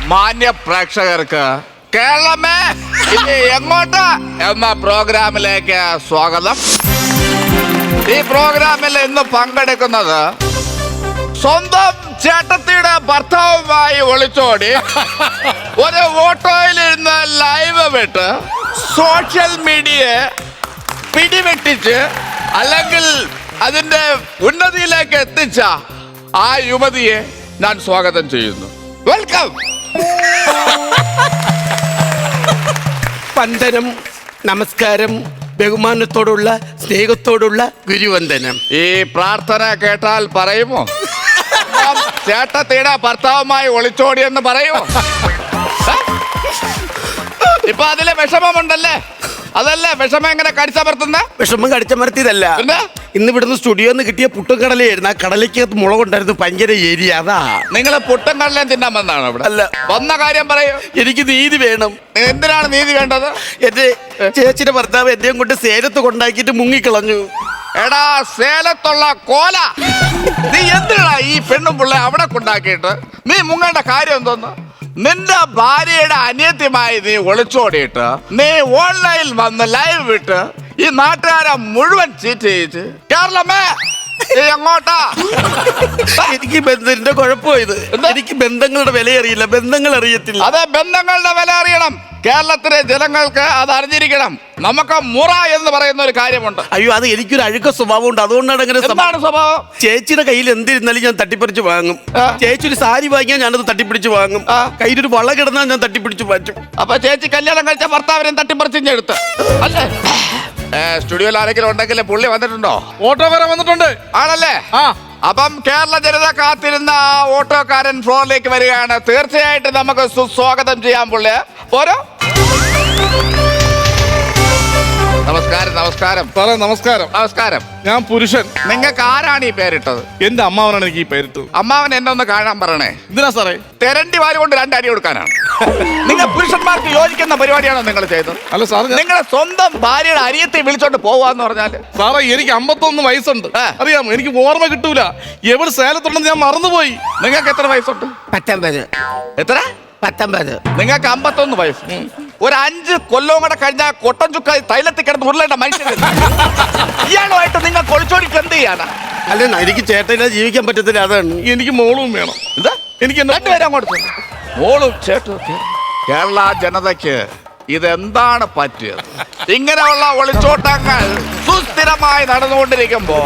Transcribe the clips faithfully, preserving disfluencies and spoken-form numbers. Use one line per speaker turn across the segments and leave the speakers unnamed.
മാന്യ പ്രേക്ഷകർക്ക് കേരളമേ ഇനി എങ്ങോട്ട് എന്ന പ്രോഗ്രാമിലേക്ക് സ്വാഗതം. ഈ പ്രോഗ്രാമിൽ ഇന്ന് പങ്കെടുക്കുന്നത് സ്വന്തം ചേട്ടത്തിയുടെ ഭർത്താവുമായി ഒളിച്ചോടി ഒരു ഓട്ടോയിലിരുന്ന് ലൈവ് വിട്ട് സോഷ്യൽ മീഡിയയെ പിടിവെട്ടിച്ച് അല്ലെങ്കിൽ അതിന്റെ ഉന്നതിയിലേക്ക് എത്തിച്ച ആ യുവതിയെ ഞാൻ സ്വാഗതം ചെയ്യുന്നു. വെൽക്കം.
വന്ദനം, നമസ്കാരം, ബഹുമാനത്തോടുള്ള സ്നേഹത്തോടുള്ള ഗുരുവന്ദനം.
ഈ പ്രാർത്ഥന കേട്ടാൽ പറയുമോ ചേട്ടത്തിയുടെ ഭർത്താവുമായി ഒളിച്ചോടിയെന്ന് പറയുമോ? ഇപ്പൊ അതിലെ വിഷമമുണ്ടല്ലേ? അതല്ലേ വിഷമം എങ്ങനെ കടിച്ചമർത്തുന്ന?
വിഷമം കടിച്ചമർത്തിയതല്ല, ഇന്ന് ഇവിടുന്ന് സ്റ്റുഡിയോന്ന് കിട്ടിയ പുട്ടും കടലയായിരുന്നു. ആ കടലയ്ക്കകത്ത് മുളകുണ്ടായിരുന്നു, ഭയങ്കര ഏരിയ. അതാ
നിങ്ങൾ പുട്ടും കടലയും തിന്നാൻ വന്നാണ് ഇവിടെ?
അല്ല.
വന്ന കാര്യം പറയൂ.
എനിക്ക് നീതി വേണം.
എന്തിനാണ് നീതി വേണ്ടത്?
എന്റെ ചേച്ചിയുടെ ഭർത്താവ് എന്നെയും കൊണ്ട് സേലത്ത് കൊണ്ടാക്കിയിട്ട് മുങ്ങിക്കളഞ്ഞു.
എടാ സേലത്തുള്ള കോല, നീ എന്തിനാ ഈ പെണ്ണും പിള്ളെ അവിടെ കൊണ്ടാക്കിയിട്ട് നീ മുങ്ങേണ്ട കാര്യം എന്തോന്ന്? നിന്റെ ഭാര്യയുടെ അനിയത്യമായി നീ ഒളിച്ചോടിയിട്ട് നീ ഓൺലൈനിൽ വന്ന് ലൈവ് വിട്ട് ഈ നാട്ടുകാരെ മുഴുവൻ ചീറ്റ് ചെയ്യിച്ച് കേരളമേ എങ്ങോട്ടാ?
എനിക്ക് ബന്ധത്തിന്റെ കുഴപ്പമായത്. എനിക്ക് ബന്ധങ്ങളുടെ വില അറിയില്ല, ബന്ധങ്ങൾ അറിയത്തില്ല.
അതെ, ബന്ധങ്ങളുടെ വില അറിയണം. കേരളത്തിലെ ജനങ്ങൾക്ക് അത് അറിഞ്ഞിരിക്കണം. നമുക്ക് മുറ എന്ന് പറയുന്ന ഒരു കാര്യമുണ്ട്.
അയ്യോ, അത് എനിക്കൊരു അഴുക്ക സ്വഭാവം ഉണ്ട്, അതുകൊണ്ടാണ് അങ്ങനെ.
എന്താണ് സ്വഭാവം?
ചേച്ചിയുടെ കയ്യിൽ എന്തിരുന്നാലും ഞാൻ തട്ടിപ്പറിച്ച് വാങ്ങും. ചേച്ചി ഒരു സാരി വാങ്ങിയാൽ ഞാനത് തട്ടിപ്പിടിച്ച് വാങ്ങും. കയ്യിലൊരു വള കിടന്നാൽ ഞാൻ തട്ടിപ്പിടിച്ച് മാറ്റും.
അപ്പൊ ചേച്ചി കല്യാണം കഴിച്ച ഭർത്താവിനെയും തട്ടിപ്പറിച്ചെടുത്ത് അല്ലേ? സ്റ്റുഡിയോയിൽ ആരെങ്കിലും ഉണ്ടെങ്കിൽ പുള്ളി വന്നിട്ടുണ്ടോ?
ഓട്ടോക്കാരൻ വന്നിട്ടുണ്ട്.
ആണല്ലേ?
ആ.
അപ്പം കേരള ജനത കാത്തിരുന്ന ആ ഓട്ടോക്കാരൻ ഫ്ലോറിലേക്ക് വരികയാണ്. തീർച്ചയായിട്ടും നമുക്ക് സുസ്വാഗതം ചെയ്യാം പുള്ളി. പോരോ. നമസ്കാരം. നമസ്കാരം
സാറേ. നമസ്കാരം.
നമസ്കാരം.
ഞാൻ പുരുഷൻ.
നിങ്ങൾക്ക് ആരാണ് ഈ പേരിട്ടത്?
എന്റെ അമ്മാവനാണ് എനിക്ക് ഈ പേരിട്ടത്.
അമ്മാവൻ എന്നെ ഒന്ന് കാണാൻ പറയണേ.
എന്തിനാ സാറേ?
തെരണ്ടി വാരി കൊണ്ട് രണ്ടടി കൊടുക്കാനാണ്. നിങ്ങൾ പുരുഷന്മാർക്ക് യോജിക്കുന്ന പരിപാടിയാണോ നിങ്ങൾ ചെയ്തത്?
അല്ല സാറേ,
നിങ്ങളെ സ്വന്തം ഭാര്യയുടെ അരിയത്തെ വിളിച്ചോണ്ട് പോവാന്ന് പറഞ്ഞാല്?
സാറേ, എനിക്ക് അമ്പത്തൊന്ന് വയസ്സുണ്ട്. അറിയാമോ? എനിക്ക് ഓർമ്മ കിട്ടൂല. എവിടെ സേലത്തുണ്ടെന്ന് ഞാൻ മറന്നുപോയി.
നിങ്ങൾക്ക് എത്ര വയസ്സുണ്ട്?
പത്തൊമ്പത്.
എത്ര?
പത്തൊമ്പത്.
നിങ്ങൾക്ക് അമ്പത്തൊന്ന് വയസ്സ്. ഒരു അഞ്ച് കൊല്ലവും കൂടെ കഴിഞ്ഞാൽ കൊട്ടൻ ചുക്ക തൈലത്തിൽ കിടന്ന് ഉരുളേണ്ട മനുഷ്യൻ ഇയാളുമായിട്ട് നിങ്ങൾ കൊളിച്ചോടിക്ക് എന്ത് ചെയ്യാനാ?
അല്ല, എനിക്ക് ചേട്ടനെ ജീവിക്കാൻ പറ്റത്തില്ല, അതാണ്.
എനിക്ക് മോളും വേണം.
എന്താ?
എനിക്ക്
രണ്ടുപേരും അങ്ങോട്ട് മോളും ചേട്ടും. കേരള ജനതയ്ക്ക് ഇതെന്താണ് പറ്റിയത്? ഇങ്ങനെയുള്ള ഒളിച്ചോട്ടങ്ങൾ സുസ്ഥിരമായി നടന്നുകൊണ്ടിരിക്കുമ്പോ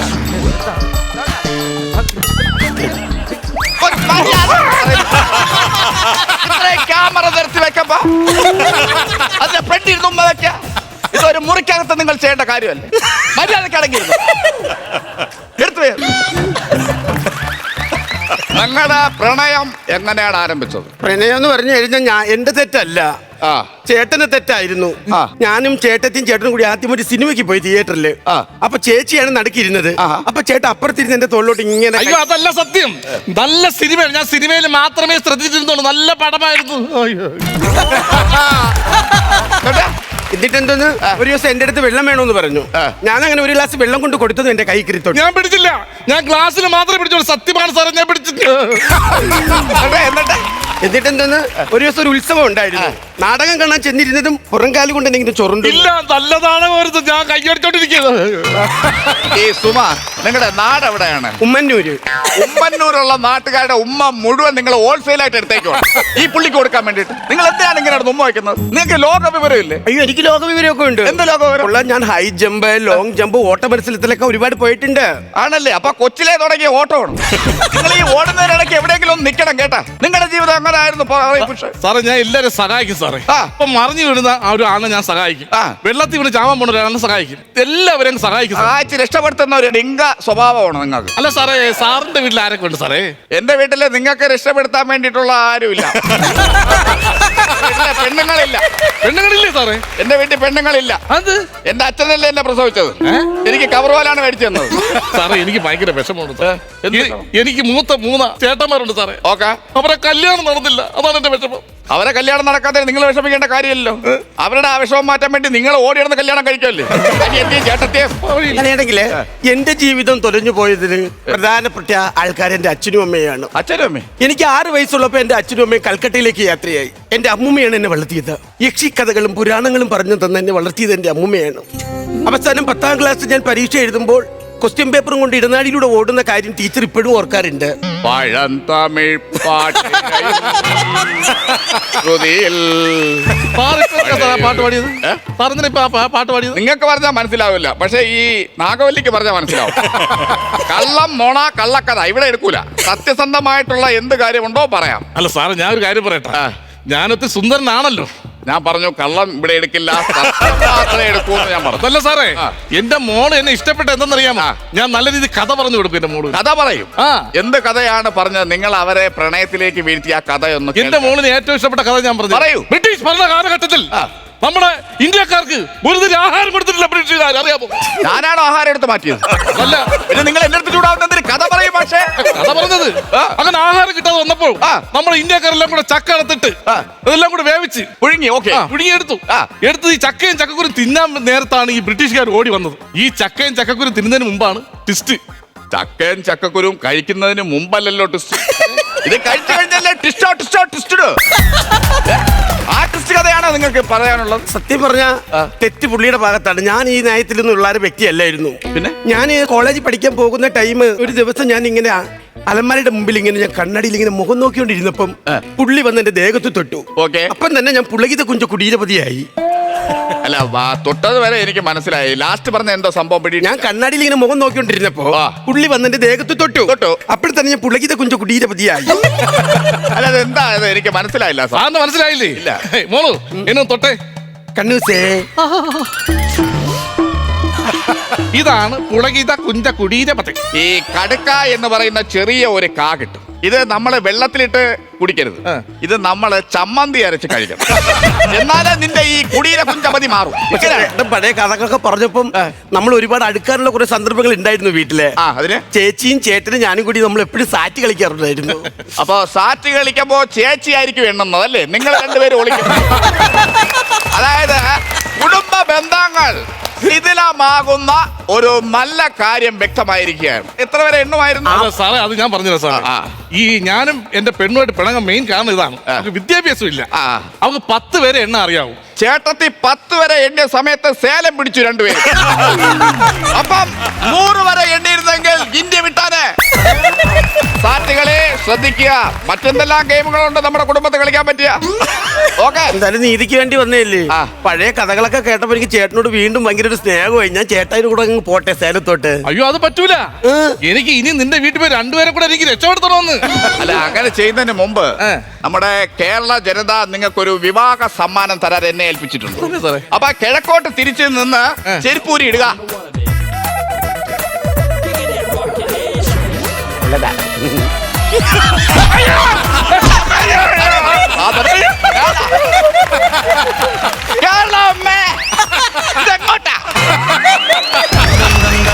ക്യാമറ നിർത്തി വെക്കുമ്പോ അതിന്റെ ഫ്രണ്ടിൽ തുമ്പ വെക്ക. ഇതൊരു മുറിക്കകത്ത് നിങ്ങൾ ചെയ്യേണ്ട കാര്യമല്ലേ? മര്യാദക്കടങ്ങി എടുത്തു. നിങ്ങളുടെ പ്രണയം എങ്ങനെയാണ് ആരംഭിച്ചത്?
പ്രണയം എന്ന് പറഞ്ഞു കഴിഞ്ഞാൽ ഞാൻ എന്റെ തെറ്റല്ല, ചേട്ടന് തെറ്റായിരുന്നു. ഞാനും ചേട്ടത്തിയും ചേട്ടനും കൂടി ആദ്യം ഒരു സിനിമയ്ക്ക് പോയി തിയേറ്ററില്. അപ്പൊ ചേച്ചിയാണ് നടുക്കിരുന്നത്. അപ്പൊ ചേട്ടൻ അപ്പുറത്തിരുന്ന് എന്റെ തോളിലോട്ട് ഇങ്ങനെ.
അയ്യോ, അതല്ല സത്യം. നല്ല സിനിമയാണ്. ഞാൻ സിനിമയിൽ മാത്രമേ ശ്രദ്ധിച്ചിരുന്നുള്ളൂ. നല്ല പടമായിരുന്നു.
എന്നിട്ട് എന്തോന്ന് ഒരു ദിവസം എന്റെ അടുത്ത് വെള്ളം വേണമെന്ന് പറഞ്ഞു. ഞാൻ അങ്ങനെ ഒരു ഗ്ലാസ് വെള്ളം കൊണ്ട് കൊടുത്തത് എന്റെ കൈ കിരിത്തോട്ട്.
ഞാൻ പിടിച്ചില്ല. ഞാൻ ഗ്ലാസ്സിൽ മാത്രമേ പിടിച്ചോളൂ. സത്യമാണ് സാറേ, ഞാൻ പിടിച്ചിട്ട്.
എന്നിട്ട് എന്തോന്ന് ഒരു ദിവസം ഒരു ഉത്സവം ഉണ്ടായിരുന്നു. നാടകം കാണാൻ ചെന്നിരുന്നതും പുറംകാലി കൊണ്ട് എന്തെങ്കിലും ചൊറുണ്ട്.
ഇല്ല, നല്ലതാണ്. ഞാൻ കൈയടിച്ചോണ്ടിരിക്കുന്നത്.
ഈ സുമ, നിങ്ങളുടെ നാട് എവിടെയാണ്?
ഉമ്മന്നൂര്.
ഉമ്മന്നൂരുള്ള നാട്ടുകാരുടെ ഉമ്മ മുഴുവൻ നിങ്ങൾ ഹോൾസെയിൽ ആയിട്ട് എടുത്തേക്കോ ഈ പുള്ളിക്ക് കൊടുക്കാൻ വേണ്ടിട്ട്. നിങ്ങൾ എന്തിനാണ് ഇങ്ങനെ ഉമ്മ വയ്ക്കുന്നത്? നിങ്ങൾക്ക് ലോക വിവരം ഇല്ലേ?
അയ്യോ, എനിക്ക് ലോക വിവരമൊക്കെ ഉണ്ട്.
എന്ത് ലോക വിവരം?
ഞാൻ ഹൈ ജമ്പ്, ലോങ് ജമ്പ്, ഓട്ട മത്സരത്തിലൊക്കെ ഒരുപാട് പോയിട്ടുണ്ട്.
ആണല്ലേ? അപ്പൊ കൊച്ചിലെ തുടങ്ങിയ ഓട്ടമാണ്. നിങ്ങൾ ഈ ഓടുന്നതിനിടയ്ക്ക് എവിടെയെങ്കിലും ഒന്ന് നിൽക്കണം കേട്ടാ. നിങ്ങളുടെ ജീവിതം എങ്ങനെ ആയിരുന്നു?
സാറേ, ഞാൻ എല്ലാവരും സഹായിക്കും സാറേ. അപ്പൊ മറിഞ്ഞു വീഴുന്ന ആ ഒരു ആളെ ഞാൻ സഹായിക്കും. വെള്ളത്തിൽ വീണ് ചാവാൻ പോണ ഒരാളെ സഹായിക്കും. എല്ലാവരും സഹായിക്കും.
സഹായിച്ച് രക്ഷപ്പെടുത്തുന്ന ഒരു ഡിങ്ക സ്വഭാവമാണ് നിങ്ങൾക്ക്.
അല്ല സാറേ, സാറിന്റെ വീട്ടിൽ ആരൊക്കെ ഉണ്ട് സാറേ?
എന്റെ വീട്ടില് നിങ്ങൾക്ക് രക്ഷപ്പെടുത്താൻ വേണ്ടിയിട്ടുള്ള ആരുമില്ല. പെണ്ണുങ്ങളില്ല.
പെണ്ണുങ്ങളില്ലേ സാറേ?
എന്റെ വീട്ടിൽ പെണ്ണുങ്ങളില്ല.
അത്
എന്റെ അച്ഛനല്ലേ എന്നെ പ്രസവിച്ചത്. എനിക്ക് കവർ പോലാണ് മേടിച്ചു തന്നത്.
സാറേ, എനിക്ക് ഭയങ്കര വിഷമമുണ്ട്. എനിക്ക് മൂത്ത മൂന്ന് ചേട്ടന്മാരുണ്ട് സാറേ.
ഓക്കെ.
അവരെ കല്യാണം നടന്നില്ല, അതാണ് എന്റെ വിഷമം.
അവരെ കല്യാണം നടക്കാതെ നിങ്ങൾ വിഷമിക്കേണ്ട കാര്യമല്ലോ. അവരുടെ ആവശ്യവും മാറ്റാൻ വേണ്ടി നിങ്ങൾ ഓടിയിടുന്ന കല്യാണം കഴിക്കുമല്ലേ അനിയത്തിയും ചേട്ടത്തെയും.
അങ്ങനെയാണെങ്കില് എന്റെ ജീവിതം തൊലഞ്ഞു പോയതിന് പ്രധാനപ്പെട്ട ആൾക്കാർ എന്റെ അച്ഛനും അമ്മയാണ്.
അച്ഛനും അമ്മേ?
എനിക്ക് ആറ് വയസ്സുള്ളപ്പോ എന്റെ അച്ഛനും അമ്മയും കൽക്കട്ടയിലേക്ക് യാത്രയായി. എന്റെ അമ്മൂമ്മയാണ് എന്നെ വളർത്തിയത്. യക്ഷി കഥകളും പുരാണങ്ങളും പറഞ്ഞു തന്നെ എന്നെ വളർത്തിയത് എന്റെ അമ്മൂമ്മയാണ്. അവസാനം പത്താം ക്ലാസ് ഞാൻ പരീക്ഷ എഴുതുമ്പോൾ ക്വസ്റ്റ്യൻ പേപ്പറും കൊണ്ട് ഇടനാടിയിലൂടെ ഓടുന്ന കാര്യം ടീച്ചർ ഇപ്പോഴും ഓർക്കാറുണ്ട്.
പഴന്തമിഴ് പാട്ട്
പാട്ട് പാടിയത് പാട്ട് പാടിയത്
നിങ്ങൾക്ക് പറഞ്ഞാൽ മനസ്സിലാവില്ല, പക്ഷെ ഈ നാഗവല്ലിക്ക് പറഞ്ഞാൽ മനസ്സിലാവും. കള്ളം നോണ കള്ളക്കഥ ഇവിടെ എടുക്കൂല. സത്യസന്ധമായിട്ടുള്ള എന്ത് കാര്യമുണ്ടോ പറയാം.
അല്ല സാറേ, ഞാൻ ഒരു കാര്യം പറയട്ടെ. ഞാനൊത്തി സുന്ദരനാണല്ലോ.
ഞാൻ പറഞ്ഞു കള്ളം ഇവിടെ എടുക്കില്ല, മാത്രമേ എടുക്കൂ എന്ന് ഞാൻ പറഞ്ഞു.
അതല്ല സാറേ, എന്റെ മോള് എന്നെ ഇഷ്ടപ്പെട്ട എന്തെന്നറിയാമോ? ഞാൻ നല്ല രീതിയിൽ കഥ പറഞ്ഞു കൊടുക്കും. എന്റെ മോള്
കഥ പറയും.
ആ
എന്ത് കഥയാണ് പറഞ്ഞത്? നിങ്ങൾ അവരെ പ്രണയത്തിലേക്ക് വീഴ്ത്തിയ കഥയൊന്ന്.
എന്റെ മോളിന് ഏറ്റവും ഇഷ്ടപ്പെട്ട കഥ ഞാൻ പറഞ്ഞു.
പറയൂ.
ബ്രിട്ടീഷ് ഭരണ കാലഘട്ടത്തിൽ നമ്മുടെ ഇന്ത്യക്കാർക്ക് ഒരു തരം ആഹാരം കൊടുത്തിട്ടില്ല ബ്രിട്ടീഷുകാർ, അറിയാമോ?
ഞാനാണോ ആഹാരം എടുത്ത് മാറ്റിയത്?
അല്ല,
പിന്നെ നിങ്ങൾ എന്റെ അടുത്ത് ചൂടാവുന്നതിന് കഥ പറയും. പക്ഷേ
കഥ പറഞ്ഞത് അങ്ങനെ ആഹാരം കിട്ടാതെ വന്നപ്പോൾ നമ്മുടെ ഇന്ത്യക്കാരെല്ലാം കൂടെ ചക്ക എടുത്തിട്ട് അതെല്ലാം കൂടെ വേവിച്ച്
പുഴുങ്ങി. ഓക്കെ,
പുഴുങ്ങി എടുത്തു. എടുത്ത് ഈ ചക്കയും ചക്കക്കുരും തിന്നാൻ നേരത്താണ് ഈ ബ്രിട്ടീഷുകാർ ഓടി വന്നത്. ഈ ചക്കയും ചക്കക്കുരും തിന്നുന്നതിന് മുമ്പാണ് ട്വിസ്റ്റ്.
ചക്കയും ചക്കക്കുരും കഴിക്കുന്നതിന് മുമ്പല്ലല്ലോ ട്വിസ്റ്റ്. ഇത് കഴിച്ചു കഴിഞ്ഞല്ലേ ടിസ്റ്റോ ടിസ്റ്റോ ടിസ്റ്റോ. ആ ടിസ്റ്റ് കഥയാണോ നിങ്ങൾക്ക് പറയാനുള്ളത്?
സത്യം പറഞ്ഞ തെറ്റ് പുള്ളിയുടെ ഭാഗത്താണ്. ഞാൻ ഈ നയത്തിൽ നിന്നുള്ള ഒരു വ്യക്തിയല്ലായിരുന്നു.
പിന്നെ
ഞാൻ കോളേജിൽ പഠിക്കാൻ പോകുന്ന ടൈം ഒരു ദിവസം ഞാൻ ഇങ്ങനെ അലമാരയുടെ മുമ്പിൽ ഇങ്ങനെ ഞാൻ കണ്ണടിയിൽ ഇങ്ങനെ മുഖം നോക്കിക്കൊണ്ടിരുന്നപ്പം പുള്ളി വന്ന് എന്റെ ദേഹത്ത് തൊട്ടു.
ഓക്കെ,
അപ്പം തന്നെ ഞാൻ പുളകിത കുഞ്ച കുടീരപതിയായി.
അല്ല, തൊട്ടത് വരെ എനിക്ക് മനസ്സിലായി. ലാസ്റ്റ് പറഞ്ഞ എന്തോ സംഭവം പിടി.
ഞാൻ കണ്ണാടിയിൽ ഇങ്ങനെ മുഖം നോക്കിക്കൊണ്ടിരുന്നപ്പോ പുള്ളി വന്ന് എന്റെ ദേഹത്ത് തൊട്ടു തൊട്ടു അപ്പോൾ തന്നെ ഞാൻ പുളകിത കുഞ്ച കുടീരപതിയായി.
അല്ല, അതെന്താ എനിക്ക് മനസ്സിലായില്ല.
സാറിന് മനസ്സിലായില്ലേ? ഇല്ല. മോളു എന്നെ തൊട്ടേ.
കണ്ണൂസേ,
ഇതാണ് പുളകിത കുഞ്ച കുടീരപതി.
ഈ കടുക്ക എന്ന് പറയുന്ന ചെറിയ ഒരു കാ കിട്ടും. ഇത് നമ്മള് വെള്ളത്തിലിട്ട് കുടിക്കരുത്. ഇത് നമ്മള് ചമ്മന്തി അരച്ച് കഴിക്കണം. എന്നാലേ നിന്റെ ഈ കുടീര കുഞ്ചപതി മാറും.
പഴയ കഥകളൊക്കെ പറഞ്ഞപ്പം നമ്മൾ ഒരുപാട് അടുക്കാനുള്ള കുറെ സന്ദർഭങ്ങൾ ഉണ്ടായിരുന്നു വീട്ടിലെ.
ആ, അതിന്
ചേച്ചിയും ചേട്ടനും ഞാനും കൂടി നമ്മൾ എപ്പോഴും സാറ്റ് കളിക്കാറുണ്ടായിരുന്നു.
അപ്പൊ സാറ്റ് കളിക്കുമ്പോ ചേച്ചി ആയിരിക്കും എണ്ണുന്നത് അല്ലേ? നിങ്ങൾ രണ്ടുപേരും ഒളിക്കും. അതായത് കുടുംബ ബന്ധങ്ങൾ ശിഥിലമാകുന്ന ഒരു നല്ല കാര്യം വ്യക്തമായിരിക്കുകയാണ്. എത്ര വരെ എണ്ണുമായിരുന്നു
സാറേ? അത് ഞാൻ പറഞ്ഞില്ല സാറേ. ഈ ഞാനും എന്റെ പെണ്ണുമായിട്ട് പിണങ്ങാൻ മെയിൻ കാരണം ഇതാണ്. അവർക്ക് വിദ്യാഭ്യാസം ഇല്ല. അവർക്ക് പത്ത് വരെ എണ്ണ അറിയാവും.
ചേട്ടത്തി പത്ത് വരെ എണ്ണിയ സമയത്ത് സേലം പിടിച്ചു രണ്ടുപേരും. അപ്പം നൂറ് വരെ എണ്ണിയിരുന്നെങ്കിൽ ഇന്ത്യ വിട്ടാനെ. സാറ്റുകളെ ശ്രദ്ധിക്കുക. മറ്റെന്തെല്ലാം ഗെയിമുകളുണ്ട് നമ്മുടെ കുടുംബത്തിൽ കളിക്കാൻ പറ്റിയ. ഓക്കെ,
എന്തായാലും നീതിക്ക് വേണ്ടി വന്നേല്ലേ. പഴയ കഥകളൊക്കെ കേട്ടപ്പോ എനിക്ക് ചേട്ടനോട് വീണ്ടും ഭയങ്കര ഒരു സ്നേഹമായി. ഞാൻ ചേട്ടായിന് കൂടെ അങ്ങ് പോട്ടെ സേലത്തോട്ട്.
അയ്യോ, അത് പറ്റൂല. എനിക്ക് ഇനി നിന്റെ വീട്ടിൽ പോയി രണ്ടുപേരെ കൂടെ എനിക്ക് രക്ഷപ്പെടുത്തണമെന്ന്.
അല്ല, അങ്ങനെ ചെയ്യുന്നതിന് മുമ്പ് നമ്മുടെ കേരള ജനത നിങ്ങൾക്കൊരു വിവാഹ സമ്മാനം തരാൻ എന്നെ ഏൽപ്പിച്ചിട്ടുണ്ട്. അപ്പൊ കിഴക്കോട്ട് തിരിച്ചു നിന്ന് ചെരുപ്പൂരി ഇടുക.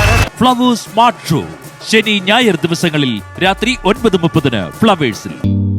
ഫ്ലവേഴ്സ് സ്മാർട്ട് ഷോ ശനി ഞായർ ദിവസങ്ങളിൽ രാത്രി ഒൻപത് മുപ്പതിന് ഫ്ലവേഴ്സിൽ.